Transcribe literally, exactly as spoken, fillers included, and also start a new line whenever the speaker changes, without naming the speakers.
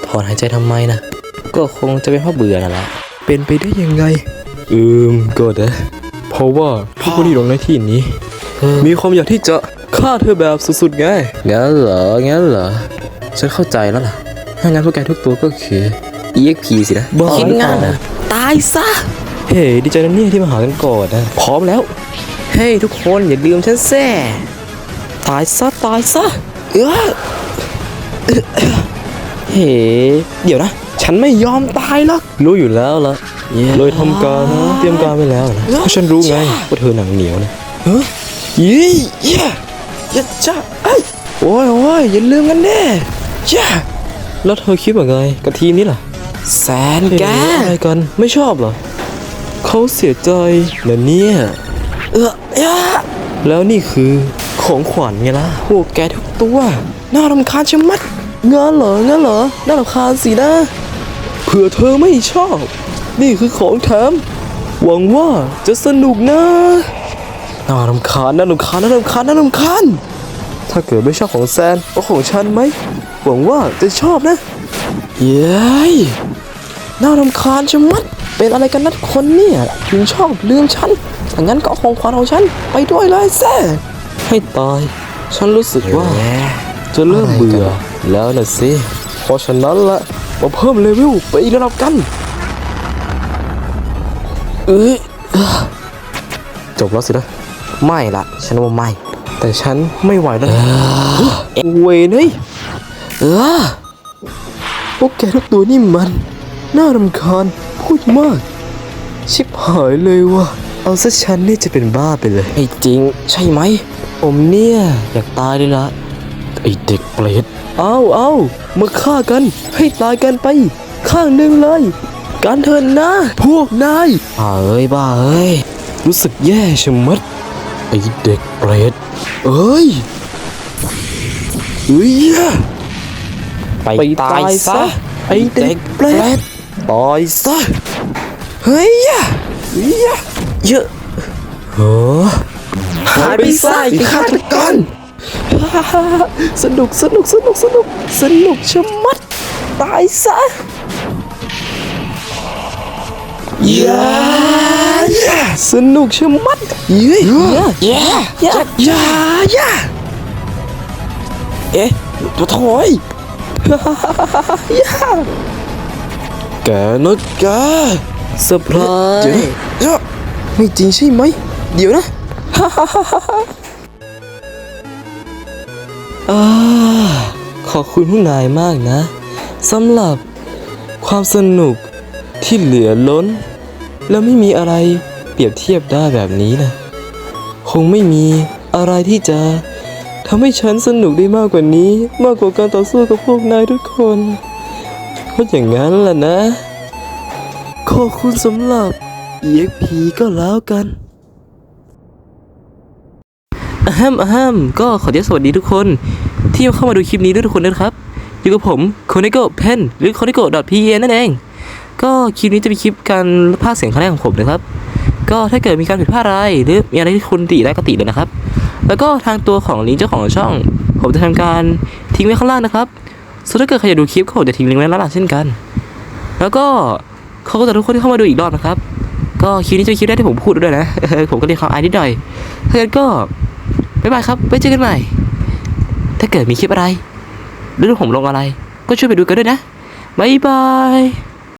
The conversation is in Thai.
ถอนหายใจทำไมนะก็คงจะเป็นเพราะเบื่อนั่นแหละ
เป็นไปได้ยังไง
อืมก็ได้เพราะว่าทุกคนที่ลงในที่นี้มีความอยากที่จะฆ่าเธอแบบสุดๆไงงั้นเหรองั้นเหรอฉันเข้าใจแล้วล่ะถ้างั้นพวกแกทุกตัวก็คือ อี เอ็กซ์ พี สินะ
คิดงั้นนะตายซะ
เฮ้ดีใจนะเนี่ยที่มาหากันก่อนนะพร้อมแล้วเฮ้ทุกคนอย่าลืมฉันแซ่ตายซะตายซะเออเฮ้เดี๋ยวนะฉันไม่ยอมตายหรอกรู้อยู่แล้วล่ะเลยทำการเตรียมการไว้แล้วนะเพราะฉันรู้ไงว่าเธอหนังเหนียวนะเฮ้ยยี่ย่าย่าจ้าไอ้โอ้ยโอ้ยอย่าลืมกันแน่ย่าแล้วเธอคิดว่าไงกับทีมนี้ล่ะ
แสนแก
อะไรกันไม่ชอบเหรอเขาเสียใจนะเนี่ย
เออ
แล้วนี่คือของขวัญไงล่ะพวกแกทุกตัวน่ารำคาญชะมัดงั้นเหรองั้นเหรอน่ารำคาญสินะเผื่อเธอไม่ชอบนี่คือของแถมหวังว่าจะสนุกนะน่ารำคาญน่ารำคาญน่ารำคาญน่ารำคาญถ้าเกิดไม่ชอบของแซนก็ของฉันไหมหวังว่าจะชอบนะเย้ยน่ารำคาญชะมัดเป็นอะไรกันนัดคนเนี่ยถึงชอบลืมฉันถ้างั้นก็เอาของขวัญของฉันไปด้วยเลยแซ่ให้ตายฉันรู้สึกว่าจะเริ่มเบื่อแล้วนะสิเพราะฉะนั้นละมาเพิ่มเลเวลไปอีกระดับกันเอ้ยจบแล้วสินะไม่ละฉันว่าไม่แต่ฉันไม่ไหวแล้วเวรเฮ้ยเออพวกแกทุกตัวนี่มันน่ารำคาญพูดมากชิบหายเลยว่ะเอาซะฉันนี่จะเป็นบ้าไปเลยไอ้จริงใช่ไหมผมเนี่ยอยากตายเลยละไอ้เด็กเปรตเอาเอามาฆ่ากันให้ตายกันไปข้างหนึ่งเลยการเถินนะพวกนายบ้าเอ้ยบ้าเอ้ยรู้สึกแย่ชะมัดไอ้เด็กเปรตเอ้ยเอ้ยไปตายซะไอ้เด็กเปรตตายซะเฮ้ยเฮ้ยเยอะโอ้หายไปซะไอ้ฆาตกรสนุกสนุกสนุกสนุกสนุกชะมัดตายซะย่าสนุกชะมัดเย้ยย่าย่าย่าย่าย่าเอ๊ะตัวถอยย่าแกนะแกเซอร์ไพรส์เดี๋ยวไม่จริงใช่ไหมเดี๋ยวนะอ่าขอบคุณพวกนายมากนะสำหรับความสนุกที่เหลือล้นแล้วไม่มีอะไรเปรียบเทียบได้แบบนี้นะคงไม่มีอะไรที่จะทำให้ฉันสนุกได้มากกว่านี้มากกว่าการต่อสู้กับพวกนายทุกคนเพราะอย่างนั้นล่ะนะขอบคุณสำหรับ อี เอ็กซ์ พี ก็แล้วกันอะฮัมอะฮัมก็ขอสวัสดีทุกคนที่เข้ามาดูคลิปนี้ด้วยทุกคนนะครับอยู่กับผมโคเนโกเพนหรือโคเนโก .พี เอ็น นั่นเองก็คลิปนี้จะเป็นคลิปการพากย์เสียงครั้งแรกของผมนะครับก็ถ้าเกิดมีการผิดพลาดอะไรหรือมีอะไรที่คุณติได้ก็ติเลยนะครับแล้วก็ทางตัวของลิงก์เจ้าของช่องผมจะทำการทิ้งไว้ข้างล่างนะครับส่วนถ้าเกิดใครอยากดูคลิปก็ผมจะทิ้งลิงก์ไว้ด้านล่างเช่นกันแล้วก็ขอบคุณทุกคนที่เข้ามาดูอีกรอบนะครับก็คลิปนี้จะเป็นคลิปแรกที่ผมพูดด้วยนะผมก็เรียกความอายนิดหน่อยถ้าเกิดก็บ๊ายบายครับไว้เจอกันใหม่ถ้าเกิดมีคลิปอะไรหรือผมลงอะไรก็ช่วยไปดูกันด้วยนะบ๊ายบาย